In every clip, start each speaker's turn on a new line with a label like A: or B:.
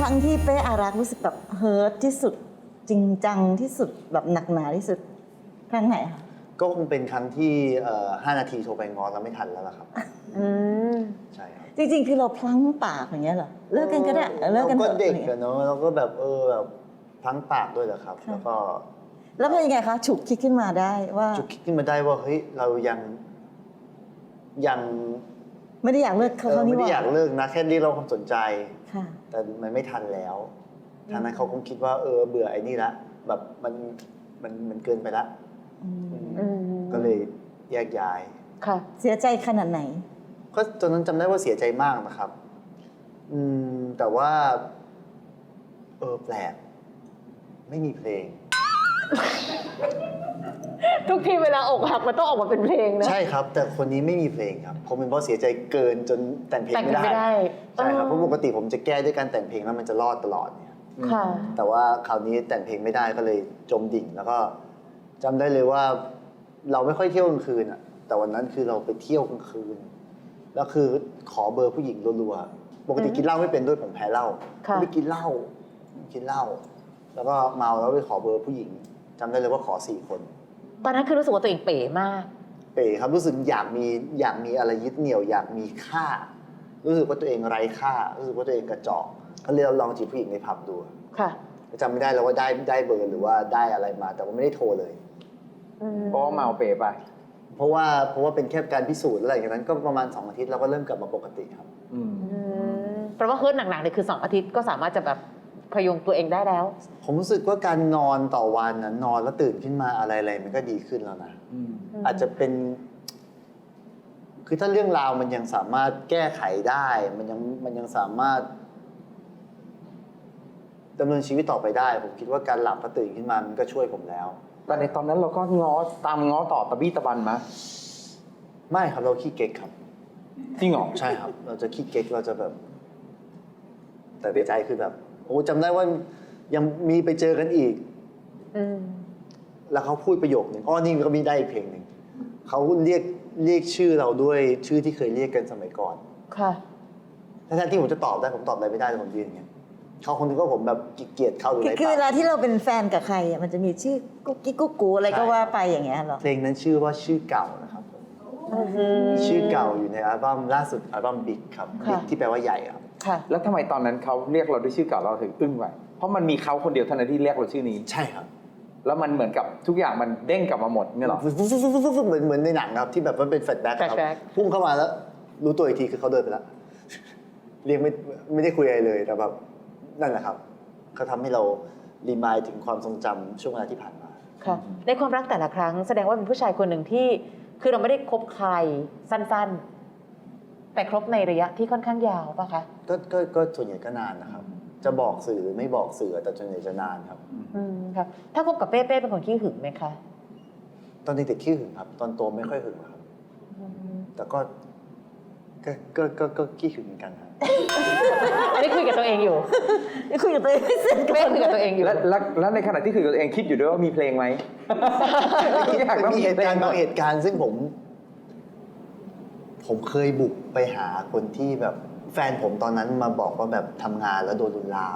A: รั้งที่เป้อารักษ์รู้สึกแบบเฮิร์ตที่สุดจริงจังที่สุดแบบหนักหนาที่สุดครั้งไหนคะ
B: ก็คงเป็นครั้งที่5 นาทีโทรไปง้อแล้วไม่ทันแล้วล่ะครับใช่ครับ
A: จริงๆคือเราพลั้งปากอย่างเงี้ยเหรอเลิกกันก็ได้เลิกกัน
B: เรา
A: เถ
B: ก็
A: อะ
B: เด็ก
A: อะไร
B: กั
A: เงี้
B: น
A: ย
B: เนาะเราก็แบบแบบพลั้งปากด้วยแหละครับ
A: ค่ะ
B: แล้วก็
A: แล้วเป็นยังไงคะฉุกคิดขึ้นมาได้ว่า
B: จุดคิดขึ้นมาได้ว่าเฮ้ยเรายัง
A: ไม่ได้อยากเลิกเขา
B: ไม่
A: นี่ห
B: ได้
A: ว่า
B: อยากเลิกนะแค่เรียกร้องความสนใจ
A: ค่ะ
B: แต่มันไม่ทันแล้วทางนั้นเขาคงคิดว่าเบื่อไอ้นี่ละแบบมันเกินไปละก็เลยแยกย้าย
C: ค่ะ
A: เสียใจขนาดไหน
B: ก็ตอนนั้นจำได้ว่าเสียใจมากนะครับแต่ว่าแปลกไม่มีเพลง
C: ทุกทีเวลาอกหักมันต้องออกมาเป็นเพลงนะ
B: ใช่ครับ แต่คนนี้ไม่มีเพลงครับผมเป็นเพราะเสียใจเกินจนแต่งเพลง
C: แต่ง
B: ไม่
C: ไม่
B: ได้
C: ได้
B: ใช่ครับเพราะปกติผมจะแก้ด้วยการแต่งเพลงแล้วมันจะรอดตลอดเนี่ย
C: ค่ะ
B: แต่ว่าคราวนี้แต่งเพลงไม่ได้ก็เลยจมดิ่ง แล้วก็จำได้เลยว่าเราไม่ค่อยเที่ยวกลางคืนอ่ะแต่วันนั้นคือเราไปเที่ยวกลางคืนแล้วคือขอเบอร์ผู้หญิงรัวๆปกติกินเหล้าไม่เป็นด้วยผมแพ้เหล้า
C: ค่ะ
B: ไม่กินเหล้าแล้วก็เมาแล้วไปขอเบอร์ผู้หญิงจำได้เลยว่าขอ4 คน
C: ตอนนั้นคือรู้สึกว่าตัวเองเป๋มาก
B: เป๋ครับรู้สึกอยากมีอะไรยึดเหนี่ยวอยากมีค่า รู้สึกว่าตัวเองไร้ค่า รู้สึกว่าตัวเองกระจอกก็เลยลองจีบผู้หญิงในผับดู
C: ค่ะ
B: จำไม่ได้แล้วว่าได้เบอร์หรือว่าได้อะไรมา แต่ว่าไม่ได้โทรเลย
D: เพราะว่าเมาเปไป
B: เพราะว่าเป็นแค่การพิสูจน์อะไรอย่างนั้นก็ประมาณ2 อาทิตย์เราก็เริ่มกลับมาปกติครับ
C: แปลว่าเฮิร์ตหนักๆเลยคือ2 อาทิตย์ก็สามารถจะแบบพยุงตัวเองได้แล้ว
B: ผมรู้สึกว่าการนอนต่อวันนะนอนแล้วตื่นขึ้นมาอะไรมันก็ดีขึ้นแล้วนะอาจจะเป็น คือถ้าเรื่องราวมันยังสามารถแก้ไขได้ มันยังสามารถดำเนินชีวิตต่อไปได้ ผมคิดว่าการหลับพอตื่นขึ้นมามันก็ช่วยผมแล้ว
D: แต่ในตอนนั้นเราก็ตามง้อต่อตะบี้ตะบันมา
B: ไม่ครับเราขี้เก๊กครับ
D: จริงเหรอ
B: ใช่ครับ เราจะขี้เก๊กเราจะแบบ แต่ในใจคือแบบโอ้จำได้ว่ายังมีไปเจอกันอีกแล้วเขาพูดประโยคหนึ่งนี่ก็มีได้อีกเพลงหนึ่งเขาเรียกชื่อเราด้วยชื่อที่เคยเรียกกันสมัยก่อน
C: ค่ะ
B: ทั้งที่ผมจะตอบได้ผมตอบอะไรไม่ได้แต่ผมยืนอย่างเงี้ยเขาคงนึกว่าผมแบบเกลียดเขาหรืออะไร
A: คือเวลา
B: เปล่า
A: ที่เราเป็นแฟนกับใครอ่ะมันจะมีชื่อกุ๊กกิ๊กกุ๊กกูอะไรก็ว่าไปอย่างเงี้ยเหรอ
B: เพลงนั้นชื่อว่าชื่อเก่านะครับผมชื่อเก่าอยู่ในอัลบั้มล่าสุดอัลบั้มบิ๊กครับ
C: ค่ะ
B: บิ๊กที่แปลว่าใหญ่ครับ
C: ค่ะ
D: แล้วทำไมตอนนั้นเขาเรียกเราด้วยชื่อเก่าเราถึงอึ้งไว้เพราะมันมีเขาคนเดียวเท่านั้นที่เรียกเราชื่อนี้
B: ใช่ครับ
D: แล้วมันเหมือนกับทุกอย่างมันเด้งกลับมาหมดเนี่ยหรอ
B: เหมือนในหนังครับที่แบบมันเป็นแฟลชแบ็คครับ
C: flashback
B: พุ่งเข้ามาแล้ว รู้ตัวอีกทีคือเขาเดินไปแล้ว เรียกไม่ได้คุยอะไรเลยแต่แบบนั่นแหละครับเขาทำให้เรารีมายถึงความทรงจำช่วงเวลาที่ผ่านมา
C: ค่ะ ในความรักแต่ละครั้งแสดงว่าเป็นผู้ชายคนหนึ่งที่คือเราไม่ได้คบใครสั้นๆ แต่ครบในระยะที่ค่อนข้างยาวป่ะคะ
B: ก็ส่วนใหญ่ก็นานนะครับ จะบอกสื่อหรือไม่บอกสื่อแต่ส่วนใหญ่จะนานครับ
C: ครับถ้าคบกับเป้เป็นคนขี้หึงไหมคะ
B: ตอนเด็กๆขี้หึงครับ ตอนโตไม่ค่อยหึงครับ แต่ก็ขี้หึงเหมือนกันครับ
C: อันนี้คุยกับตัวเองอยู่
A: นี่คุยกับตัวเองไม่เสร็จ
C: เป้คุยกับตัวเองอยู่
D: แล้วในขณะที่คือตัวเองคิดอยู่ด้วยว่ามีเพลงไหม อยากต้อง
B: มี
D: มี
B: เหตุ
D: เพล
B: การ
D: ง
B: ณ์บางเหตุการณ์ซึ่งผมเคยบุกไปหาคนที่แบบแฟนผมตอนนั้นมาบอกว่าแบบทำงานแล้วโดนลุกลาม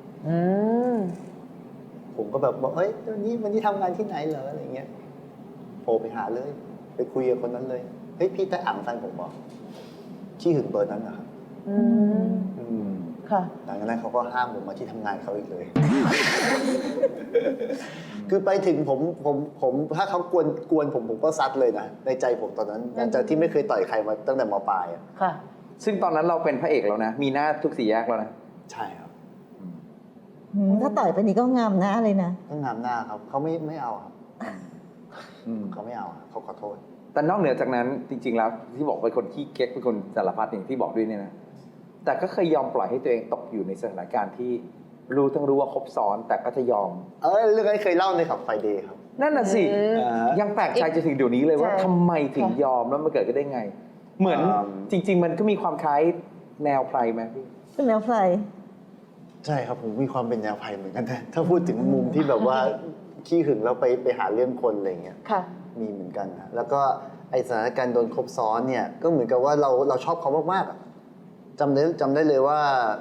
B: ผมก็แบบบอกวันนี้ทำงานที่ไหนเหรออะไรเงี้ยโทรไปหาเลย ไปคุยกับคนนั้นเลยเฮ้ยพี่แต่อ่างแฟนผมบอกที่หึงเบอร์นั้นนะครับ
C: ค่ะ
B: หลังจากนั้นเขาก็ห้ามผมมาที่ทำงานเขาอีกเลย คือไปถึงผมถ้าเขากวนผมก็ซัดเลยนะในใจผมตอนนั้นหลังจากที่ไม่เคยต่อยใครมาตั้งแต่ม.ปลายอะ
C: ค่ะ
D: ซึ่งตอนนั้นเราเป็นพระเอกแล้วนะ มีหน้าทุกสี่แยกแล้วนะ
B: ใช่ครับ
A: ถ้าต่อยไปนี่ก็งามหน้าเลยนะ
B: ก็งามหน้าครับเขาไม่เอาครับเขาไม่เอาครับเขาขอโทษ
D: แต่นอกเหนือจากนั้นจริง ๆ แล้วที่บอกเป็นคนขี้เก๊กเป็นคนสารพัดอย่างที่บอกด้วยเนี่ยนะแต่ก็เคยยอมปล่อยให้ตัวเองตกอยู่ในสถานการณ์ที่รู้ว่าครบซ้อนแต่ก็จะยอม
B: เรื่องนี้เคยเล่าในขับไฟเดย์ครับ
D: นั่นน่ะสิ ยังแปลกใจจนถึงเดี๋ยวนี้เลยว่า
C: ใช่
D: ทำไมถึงยอมแล้วมันเกิดขึ้นได้ไง เหมือนจริง ๆ มันก็มีความคล้ายแนวไพรไหมพี่
A: เป็นแนวไพร
B: ใช่ครับผมมีความเป็นแนวไพเหมือนกันนะถ้าพูดถึงมุมที่แบบว่าขี้หึงแล้วไปหาเรื่องคนอะไรเงี้ย
C: ค่ะ
B: มีเหมือนกันนะแล้วก็ไอสถานการณ์โดนครบซ้อนเนี่ยก็เหมือนกับว่าเราชอบเขามากๆอะจำได้เลยว่า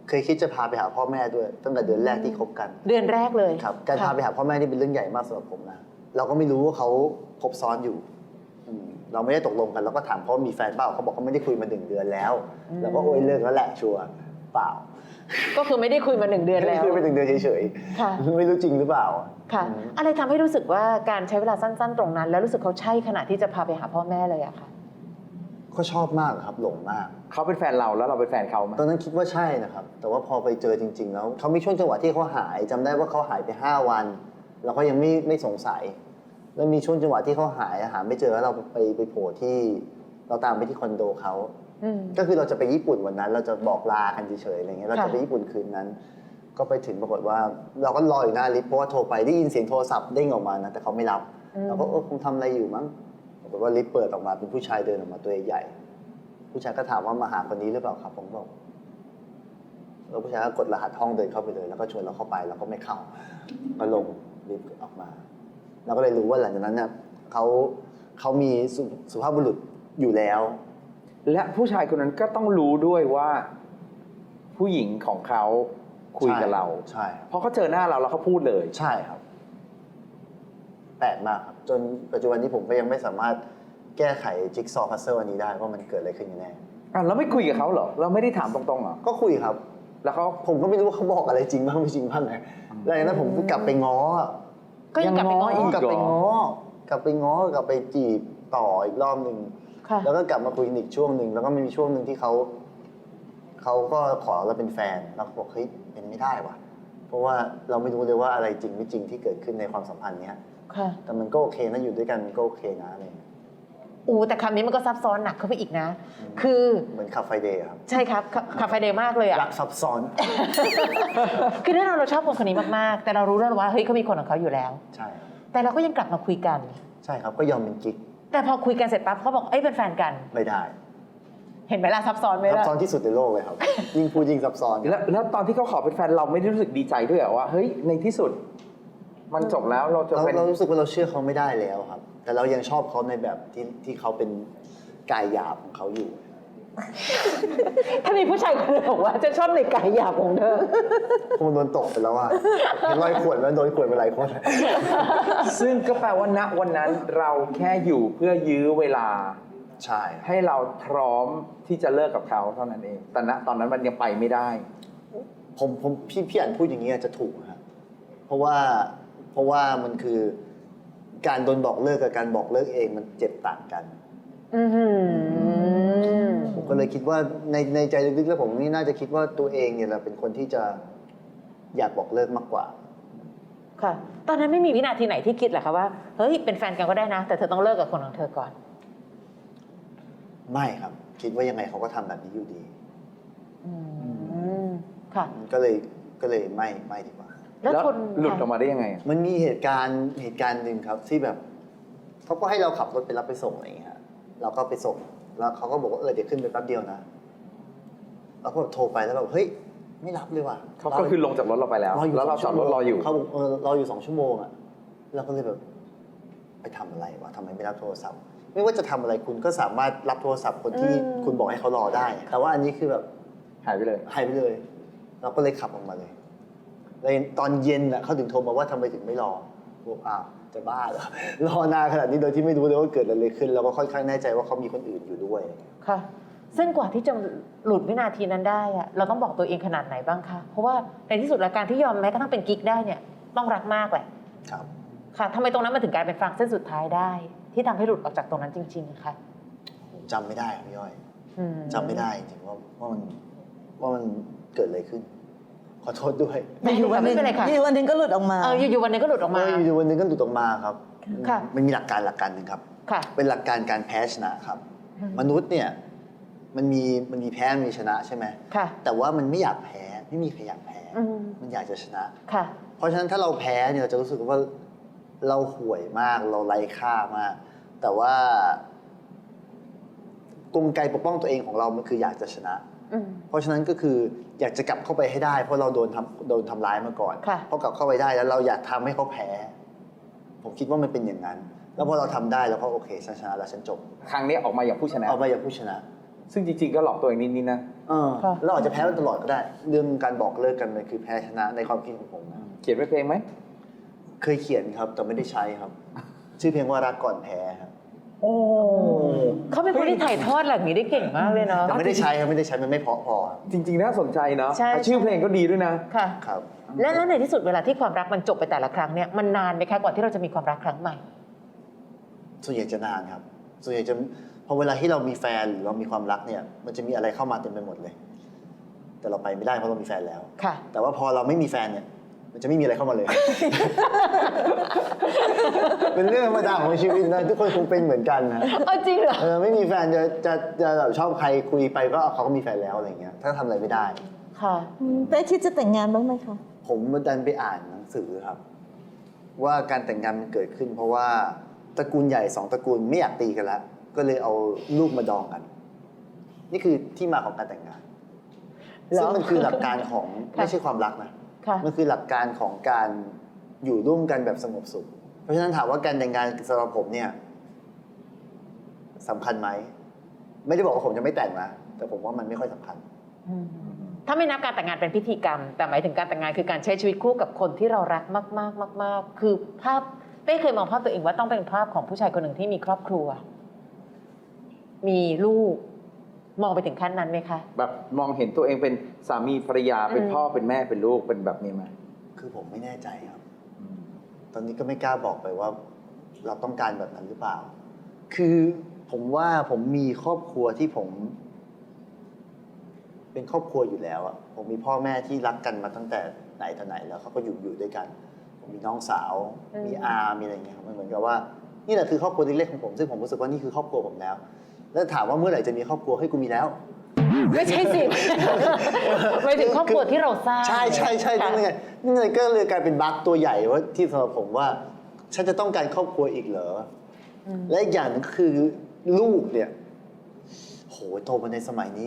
B: เคยคิดจะพาไปหาพ่อแม่ด้วยตั้งแต่เดือนแรกที่คบกัน
C: เดือนแรกเลย
B: ครับการพา
C: ค่ะ
B: ไปหาพ่อแม่นี่เป็นเรื่องใหญ่มากสำหรับผมนะเราก็ไม่รู้ว่าเขาคบซ้อนอยู่เราไม่ได้ตกลงกันเราก็ถามเขามีแฟนเปล่าเขาบอกเขาไม่ได้คุยมา1 เดือนแล้วเราก็โอยเลิกแล้วแหละชัวร์เปล่า
C: ก็คือไม่ได้คุยมา1 เดือนแล้ว
B: คุยไป1 เดือนเฉย
C: ค่ะ
B: ๆไม่รู้จริงหรือเปล่า
C: ค่ะ อะไรทำให้รู้สึกว่าการใช้เวลาสั้น ๆ ตรงนั้น แล้วรู้สึกเขาใช่ขนาดที่จะพาไปหาพ่อแม่เลยอะค่ะ
B: ก็ชอบมากครับหลงมาก
D: เขาเป็นแฟนเราแล้วเราเป็นแฟนเขาไหม
B: ตอนนั้นคิดว่าใช่นะครับ แต่ว่าพอไปเจอจริง ๆ แล้วเขามีช่วงจังหวะที่เขาหายจำได้ว่าเขาหายไป5 วันเราก็ยังไม่สงสัย แล้วมีช่วงจังหวะที่เขาหายหาไม่เจอแล้วเราไปโผล่ที่เราตามไปที่คอนโดเขา
C: อืม
B: ก็คือเราจะไปญี่ปุ่นวันนั้น เราจะบอกลากันเฉยๆอะไรเงี้ยเรา
C: ค่ะ
B: จะไปญี่ปุ่นคืนนั้น ก็ไปถึงปรากฏว่า เราก็รออยู่หน้าลิฟต์เพราะว่าโทรไปได้ยินเสียงโทรศัพท์เด้งออกมานะแต่เขาไม่รับเราก็คงทำอะไรอยู่มั้งปรากฏว่าลิฟต์เปิดออกมาเป็นผู้ชายเดินออกมาตัวใหญ่ผู้ชายก็ถามว่ามาหาคนนี้หรือเปล่าครับผมบอกแล้วผู้ชายก็กดรหัสห้องเดินเข้าไปเลยแล้วก็ชวนเราเข้าไปเราก็ไม่เข้าก็ลงลิฟต์ออกมาเราก็เลยรู้ว่าหลังจากนั้นเนี่ยเขามีสุภาพบุรุษอยู่แล้ว
D: และผู้ชายคนนั้นก็ต้องรู้ด้วยว่าผู้หญิงของเขาคุยกับเรา
B: ใช่
D: เพราะเขาเจอหน้าเราแล้วเขาพูดเลย
B: ใช่ครับแปลกมากครับจนปัจจุบันนี้ผมก็ยังไม่สามารถแก้ไขจิ๊กซอว์พัซเซิลอันนี้ได้ว่ามันเกิดอะไรขึ้นกันแน่
D: เราไม่คุยกับเขาเหรอ เราไม่ได้ถามตรงๆเหรอ
B: ก็คุยครับ
D: แล้วเขา
B: ผมก็ไม่รู้ว่าเขาบอกอะไรจริงบ้างไม่จริงบ้างไงแล้วจากนั้นผมก็กลับไปง้อ
C: ก็ยังกลับไปง้อ
D: ยังง้ออี
B: กลับไปง้อกลับไปจีบต่ออีกรอบหนึ่ง
C: ค่ะ
B: แล้วก็กลับมาคุยอีกช่วงหนึ่งแล้วก็มีช่วงหนึ่งที่เขาก็ขอเราเป็นแฟนแล้วเขาบอกเฮ้ยเป็นไม่ได้ว่ะเพราะว่าเราไม่รู้เลยว่าอะไรจริงไม่จริงที่เกิดขึ้นในความสัมพันธ์เนี้ย
C: ค่ะ
B: แต่มันก็โอเคนะอยู่ด้วยกันมันก็โอเคนะอะไรอย่างเงี้ย
C: แต่คำนี้มันก็ซับซ้อนหนักเข้าไปอีกนะ คือ
B: เหมือนขับไฟเดย์ครับ
C: ใช่ครับคาเฟ่เดย์มากเลยอะ
B: รักซับซ้อน
C: คือแน่นอนเราชอบคนนี้มากๆ แต่เรารู้แล้วว่าเฮ้ยเขามีคนของเขาอยู่แล้ว
B: ใช่
C: แต่เราก็ยังกลับมาคุยกัน
B: ใช่ครับก็ยอมเป็นกิ๊ก
C: แต่พอคุยกันเสร็จปั๊บเขาบอกเอ้ยเป็นแฟนกัน
B: ไม่ได้
C: เห็นไหมล่ะซับซ้อนไหม
B: ซับ
C: ล่ะ
B: ซ้อนที่สุดในโลกเลยครับ ยิ่งพูดยิ่งซับซ้อน
D: แล้วตอนที่เขาขอเป็นแฟนเราไม่ได้รู้สึกดีใจด้วยเหรอว่าเฮ้ยในที่สุด มันจบแล้วเราจะเป็น
B: เรารู้สึกว่าเราเชื่อเขาไม่ได้แล้วครับ แต่เรายังชอบเขาในแบบที่เขาเป็นกายหยาบของเขาอยู่
C: ถ้ามีผู้ชายคนหนึงบอกว่าจะชอบในกายหยาบของเธอ
B: คงโดนตกไปแล้วอ่ะเห็นรอยข่วนแล้วโดนข่วนไปหลายคน
D: ซึ่งก็แปลว่าณวันนั้นเราแค่อยู่เพื่อยื้อเวลา
B: ใช่
D: ให้เราพร้อมที่จะเลิกกับเขาเท่านั้นเอง แต่ณตอนนั้นมันยังไปไม่ได้
B: พี่อันพูดอย่างนี้อาจจะถูกครับเพราะว่ามันคือการโดนบอกเลิกกับการบอกเลิกเองมันเจ็บต่างกัน
C: อือหือ
B: ผมก็เลยคิดว่าในใจลึกๆแล้วผมนี่น่าจะคิดว่าตัวเองเนี่ยแหละเป็นคนที่จะอยากบอกเลิกมากกว่า
C: ค่ะ ตอนนั้นไม่มีวินาทีไหนที่คิดเหรอคะว่าเฮ้ยเป็นแฟนกันก็ได้นะ แต่เธอต้องเลิกกับคนของเธอก่อน
B: ไม่ครับ คิดว่ายังไงเขาก็ทำแบบนี้อยู่ดี
C: อืมค่ะ
B: ก็เลยไม่ดีกว่า
C: แล้วทน
D: หลุดออกมาได้ยังไงอะ
B: มันมีเหตุการณ์หนึ่งครับที่แบบเขาก็ให้เราขับรถไปรับไปส่งอะไรอย่างเงี้ยฮะเราก็ไปส่งแล้วเขาก็บอกว่าเดี๋ยวขึ้นไปแป๊บเดียวนะเราก็โทรไปแล้วแบบเฮ้ยไม่รับเลยว่ะ
D: เขาก็คือลงจากรถเราไปแล้ว แล้วเราจอดรถรออยู่
B: เขาบอกรออยู่2 ชั่วโมงอ่ะเราก็เลยแบบไปทำอะไรวะทำไมไม่รับโทรศัพท์ ไม่ว่าจะทำอะไรคุณก็สามารถรับโทรศัพท์คนที่คุณบอกให้เขารอได้ แต่ว่าอันนี้คือแบบ
D: หายไปเลย
B: หายไปเลย เราก็เลยขับออกมาเลยแล้วตอนเย็นอ่ะเขาถึงโทรมาว่าทำไมถึงไม่รอบอกอ้าวจะบ้าเหรอ รอนานขนาดนี้โดยที่ไม่รู้เลยว่าเกิดอะไรขึ้นแล้วก็ค่อนข้างแน่ใจว่าเขามีคนอื่นอยู่ด้วย
C: ค่ะ ซึ่งกว่าที่จะหลุดวินาทีนั้นได้อะเราต้องบอกตัวเองขนาดไหนบ้างคะ เพราะว่าในที่สุดแล้วการที่ยอมแม้กระทั่งเป็นกิ๊กได้เนี่ยต้องรักมากแหละ
B: ครับ
C: ค่ะทำไมตรงนั้นมันถึงกลายเป็นฟางเส้นสุดท้ายได้ ที่ทำให้หลุดออกจากตรงนั้นจริงๆค่ะ
B: ผมจำไม่ได้ครับพี่ย่อย
C: อืม
B: จำไม่ได้จริงๆว่ามันเกิดอะไรขึ้น ขอโทษด้วย
A: อยู่วันหนึง
C: ไม่เป็นไรค่ะ
A: อยู่วันหนึงก็หลุดออกมา
C: อยู่ๆวันหนึงก็หลุดออกมา
B: อยู่วันหนึงก็หลุดออกมาครับ
C: ค่ะ
B: มันมีหลักการหนึ่งครับ
C: ค่ะ
B: เป็นหลักการการแพ้ชนะครับ
C: อืม
B: มนุษย์เนี่ยมันมีแพ้มีชนะใช่ไหม
C: ค่ะ
B: แต่ว่ามันไม่อยากแพ้ไม่มีใครอยากแพ้
C: อืม
B: มันอยากจะชนะ
C: ค่ะ
B: เพราะฉะนั้นถ้าเราแพ้เนี่ยเราจะรู้สึกว่าเราห่วยมากเราไร้ค่ามาก แต่ว่ากลไกปกป้องตัวเองของเรามันคืออยากจะชนะ
C: อืม
B: เพราะฉะนั้นก็คืออยากจะกลับเข้าไปให้ได้ เพราะเราโดนทำร้ายมาก่อน
C: ค่ะ
B: พอกลับเข้าไปได้แล้วเราอยากทำให้เขาแพ้ ผมคิดว่ามันเป็นอย่างนั้น แล้วพอเราทำได้แล้วก็โอเคฉันชนะแล้วฉันจบ
D: ครั้งนี้ออกมาอย่างผู้ชนะ
B: เอาไปอย่างผู้ชนะ
D: ซึ่งจริงๆก็หลอกตัวเองนิดๆนะ
C: ค่ะ
B: เราอาจจะแพ้มันตลอดก็ได้ เรื่องการบอกเลิกกันมันคือแพ้ชนะในความคิดของผมนะ
D: เขียนไว้เพลงไหม
B: เคยเขียนครับแต่ไม่ได้ใช้ครับ ชื่อเพลงว่ารักก่อนแพ้ครับ
C: โอ้เขาเป็นคนที่ถ่ายทอดแบบนี้ได้เก่งมากเลยเนาะ
B: แต่ไม่ได้ใช้ครับไม่ได้ใช้มันไม่เพราะพอครับ
D: จริงๆน่าสนใจเนาะ
C: ใช่
D: ชื่อเพลงก็ดีด้วยนะ
C: ค่ะ
B: ครับ
C: แล้วในที่สุดเวลาที่ความรักมันจบไปแต่ละครั้งเนี่ยมันนานไหมคะกว่าที่เราจะมีความรักครั้งใหม่
B: ส่วนใหญ่จะนานครับ ส่วนใหญ่จะพอเวลาที่เรามีแฟนหรือเรามีความรักเนี่ยมันจะมีอะไรเข้ามาเต็มไปหมดเลย แต่เราไปไม่ได้เพราะเรามีแฟนแล้ว
C: ค่ะ
B: แต่ว่าพอเราไม่มีแฟนเนี่ย มันจะไม่มีอะไรเข้ามาเลย เป็นเรื่องธรรมดาของชีวิตนะทุกคนคงเป็นเหมือนกันนะ
C: จริงเหรอ
B: ไม่มีแฟนจะแบบชอบใครคุยไปก็เขาก็มีแฟนแล้วอะไรเงี้ยถ้าทำอะไรไม่ได้
C: ค่ะ
A: เป้คิดจะแต่งงานบ้างไหมคะ
B: ผมดันไปอ่านหนังสือครับ ว่าการแต่งงานมันเกิดขึ้น เพราะว่าตระกูลใหญ่สองตระกูลไม่อยากตีกันแล้วก็เลยเอาลูกมาดองกัน นี่คือที่มาของการแต่งงาน
C: เหรอ
B: ซึ่งมันคือหลักการของ
C: ค่ะ
B: ไม่ใช่ความรักนะ
C: ค่ะ
B: มันคือหลักการของการอยู่ร่วมกันแบบสงบสุข เพราะฉะนั้นถามว่าการแต่งงานสำหรับผมเนี่ยสำคัญไหม ไม่ได้บอกว่าผมจะไม่แต่งนะ แต่ผมว่ามันไม่ค่อยสำคัญ
C: ถ้าไม่นับการแต่งงานเป็นพิธีกรรม แต่หมายถึงการแต่งงานคือการใช้ชีวิตคู่กับคนที่เรารักมากๆมากๆคือภาพเป้เคยมองภาพตัวเองว่าต้องเป็นภาพของผู้ชายคนหนึ่งที่มีครอบครัว มีลูก มองไปถึงขั้นนั้นไหมคะ
D: แบบมองเห็นตัวเองเป็นสามีภรรยาเป็นพ่อเป็นแม่เป็นลูกเป็นแบบนี้ไหม
B: คือผมไม่แน่ใจครับ ตอนนี้ก็ไม่กล้าบอกไปว่า เราต้องการแบบนั้นหรือเปล่า คือผมว่าผมมีครอบครัวที่ผม เป็นครอบครัวอยู่แล้วอะผมมีพ่อแม่ที่รักกันมาตั้งแต่ไหนแต่ไหนแล้วเขาก็อยู่ด้วยกัน ผมมีน้องสาว มีอามีอะไรอย่างเงี้ยครับมันเหมือนกับว่า นี่แหละคือครอบครัวเล็กๆของผม ซึ่งผมรู้สึกว่านี่คือครอบครัวผมแล้ว แล้วถามว่าเมื่อไหร่จะมีครอบครัวให้กูมีแล้ว
C: ไม่ใช่สิ หมายถึงครอบครัวที่เราสร้าง
B: ใช่ใช่ใช่
C: ค่ะ
B: นี่ไงนี่ไงก็เลยกลายเป็นบั๊กตัวใหญ่ว่าที่สำหรับผมว่า ฉันจะต้องการครอบครัวอีกเหรออและอีกอย่างหนึงคือลูกเนี่ยโหโตมาในสมัยนี้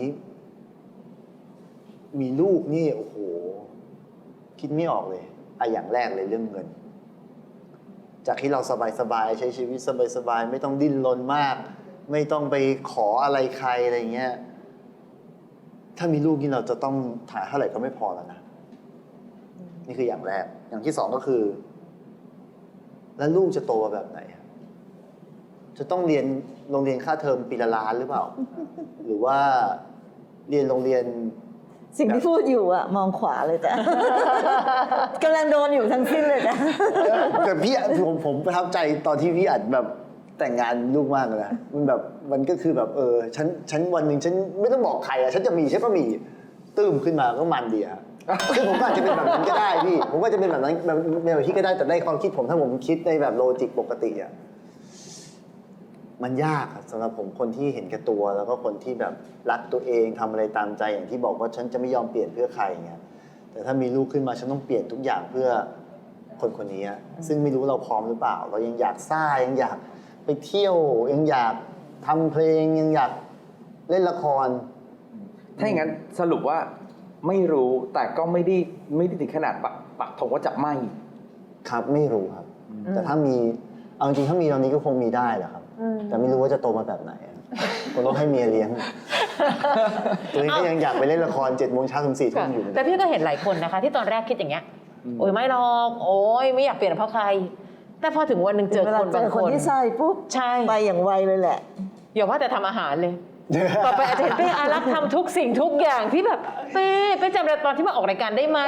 B: มีลูกนี่โอ้โหคิดไม่ออกเลยอย่างแรกเลยเรื่องเงิน จากที่เราสบายๆใช้ชีวิตสบายๆไม่ต้องดิ้นรนมาก ไม่ต้องไปขออะไรใครอะไรเงี้ย ถ้ามีลูกนี่เราจะต้องถ่ายเท่าไหร่ก็ไม่พอแล้วนะ นี่คืออย่างแรก อย่างที่สองก็คือ แล้วลูกจะโตมาแบบไหน จะต้องเรียนโรงเรียนค่าเทอมปีละล้านหรือเปล่า หรือว่าเรียนโรงเรียน
A: สิ่งที่พูดอยู่อะมองขวาเลยจ้ะ กำลังโดนอยู่ทั้งสิ้นเลยจ้ะ
B: แต่พี่ผมประทับใจตอนที่พี่อัดแบบแต่งงานลูกมากเลยนะมันแบบมันก็คือแบบฉันวันหนึ่งฉันไม่ต้องบอกใครอะฉันจะมีฉันก็มีตื้มขึ้นมาก็มันดีอะซึ่งผมก็อาจจะเป็นแบบนั้นก็ได้พี่ผมก็จะเป็นแบบนั้นแบบที่ก็ได้แต่ในความคิดผมถ้าผมคิดในแบบโลจิกปกติอะมันยากอะสำหรับผมคนที่เห็นแก่ตัว แล้วก็คนที่แบบรักตัวเองทำอะไรตามใจอย่างที่บอกว่าฉันจะไม่ยอมเปลี่ยนเพื่อใครอย่างเงี้ยแต่ถ้ามีลูกขึ้นมาฉันต้องเปลี่ยนทุกอย่างเพื่อคนคนนี้อะซึ่งไม่รู้เราพร้อมหรือเปล่า เรายังอยากซ่ายังอยากไปเที่ยวยังอยากทำเพลงยังอยากเล่นละคร
D: ถ้าอย่างนั้นสรุปว่าไม่รู้แต่ก็ไม่ได้ถึงขนาดปักธงว่าจะไม่
B: ครับไม่รู้ครับ แต่ถ้ามีเอาจริงๆถ้ามีตอนนี้ก็คงมีได้แหละครับ แต่ไม่รู้ว่าจะโตมาแบบไหนอะคงต้องให้เมียเลี้ยงตัวเองก็ยังอยากไปเล่นละคร7 โมงเช้าถึง4 ทุ่มอยู่
C: แต่พี่ก็เห็นหลายคนนะคะ ที่ตอนแรกคิดอย่างเงี้ย โอ้ยไม่หรอกโอ้ยไม่อยากเปลี่ยนเพราะใคร แต่พอถึงวันหนึ่งเจอ
A: เว
C: ค
A: ลาน เจ
C: บาง
A: อ
C: ค
A: คน
C: น
A: ที่ใช่ปุ๊บ
C: ใช่
A: ไปอย่างไวเลยแหละ
C: อย่าว่าแต่ทำอาหารเลย ต่อไปอาจจะเห็นเป้อารักษ์ทำทุกสิ่งทุกอย่างที่แบบเป้จำได้ตอนที่มาออกรายการได้ไหม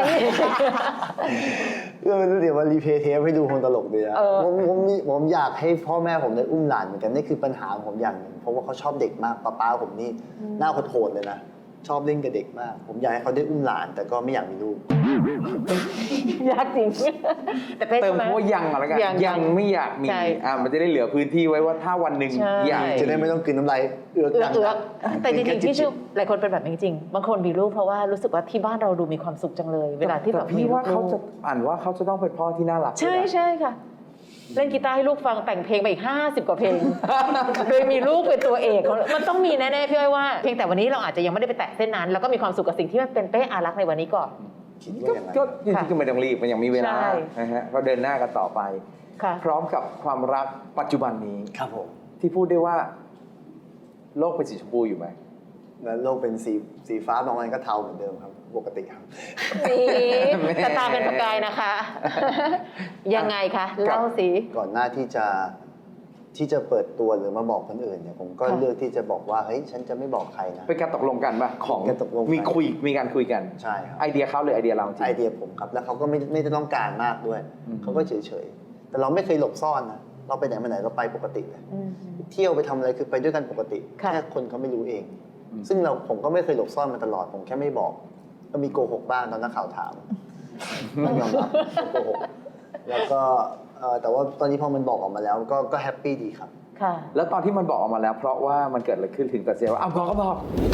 B: เดี๋ยวมารีเพลย์เทปให้ดูคงตลกดีนะ
C: เออ
B: ผมอยากให้พ่อแม่ผมได้อุ้มหลานเหมือนกันนี่คือปัญหาของผมอย่างหนึ่งเพราะว่าเขาชอบเด็กมากป้าผมนี่หน้าโหดๆเลยนะชอบเล่นกับเด็กมาก ผมอยากให้เขาได้อุ้มหลาน แต่ก็ไม่อยากมีลูก
C: ยากจริง แต่เป้
D: เติ
C: ใช่
D: ม
C: ไหม
D: คำว่ายังเอาแล้วกัน
C: ยัง
D: ไม่อยากมี
C: ใช่
D: มันจะได้เหลือพื้นที่ไว้ว่าถ้าวันหนึ่ง
C: ใช่
D: อยาก
B: จะได้ไม่ต้องกลืนน้ำลายเอือกดัง
C: เอือกแต่จริงๆที่ชื่อหลายคนเป็นแบบนี้จริงๆบางคนมีลูกเพราะว่ารู้สึกว่าที่บ้านเราดูมีความสุขจังเลย เวลาที่แบบ
D: แต่พี่ว่าเขาจะอ่านว่าเขาจะต้องเป็นพ่อที่น่ารัก
C: ใช่
D: ด้วยนะ
C: ใช่ค่ะ เล่นกีตาร์ให้ลูกฟังแต่งเพลงไปอีก50 กว่าเพลง โดยมีลูกเป็นตัวเอกมันต้องมีแน่ๆพี่อ้อยว่าเพียงแต่วันนี้เราอาจจะยังไม่ได้ไปแตะเส้นนั้นแล้วก็มีความสุขกับสิ่งที่มันเป็นเป้อารักษ์ในวันนี้ก่อน
B: คิดว่าอย่างนั้น
D: ก็จริงๆก็ไม่ต้องรีบมันยังมีเวลา
C: ใช่
D: นะฮะก็เดินหน้ากันต่อไป
C: ค่ะ
D: พร้อมกับความรักปัจจุบันนี้
B: ครับผม
D: ที่พูดได้ว่า โลกเป็นสีชมพูอยู่ไหม
B: แล้วโลกเป็นสีฟ้าบางวันก็เทาเหมือนเดิมครับปกติครับ
C: นี่แต่ตาเป็นประกายนะคะ ยังไงคะเล่าสิ
B: ก่อนหน้าที่จะเปิดตัวหรือมาบอกคนอื่นเนี่ยผมก็
C: ค่ะ
B: เลือกที่จะบอกว่าเฮ้ยฉันจะไม่บอกใครนะ
D: เป็นการตกลงกันป่ะของ
B: เป็นการตกลงกัน
D: มีการคุยกัน
B: ใช่ครับ
D: ไอเดียเขาหรือไอเดียเราจริง
B: ไอเดียผมครับแล้วเขาก็ไม่ได้ต้องการมากด้วย
D: อืม
B: เขาก็เฉยๆแต่เราไม่เคยหลบซ่อนนะเราไปไหนมาไหนเราไปปกติเลย
C: อืม
B: เที่ยวไปทำอะไรคือไปด้วยกันปกติ
C: ค่ะ
B: แค่คนเขาไม่รู้เอง ซึ่งผมก็ไม่เคยหลบซ่อนมาตลอดผมแค่ไม่บอก ก็มีโกหกบ้างตอนนักข่าวถามต้องยอมรับโกหกแล้วก็แต่ว่าตอนนี้พอมันบอกออกมาแล้วก็แฮปปี้ดีครับ
C: ค่ะ
D: แล้วตอนที่มันบอกออกมาแล้ว เพราะว่ามันเกิดอะไรขึ้นถึงตัดสินใจว่าบอกก็บอก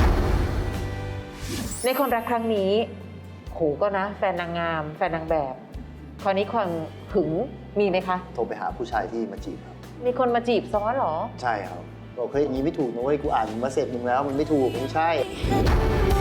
C: ในคนรักครั้งนี้โหก็นะ แฟนนางงาม แฟนนางแบบ คราวนี้ความหึงมีไหมคะ
B: โทรไปหาผู้ชายที่มาจีบครับ
C: มีคนมาจีบซ้อนเหรอ
B: ใช่ครับบอกเฮ้ยอย่างนี้ไม่ถูกนะเว้ยกูอ่านมาเสร็จมึงแล้วมันไม่ถูกไม่ใช่
E: เ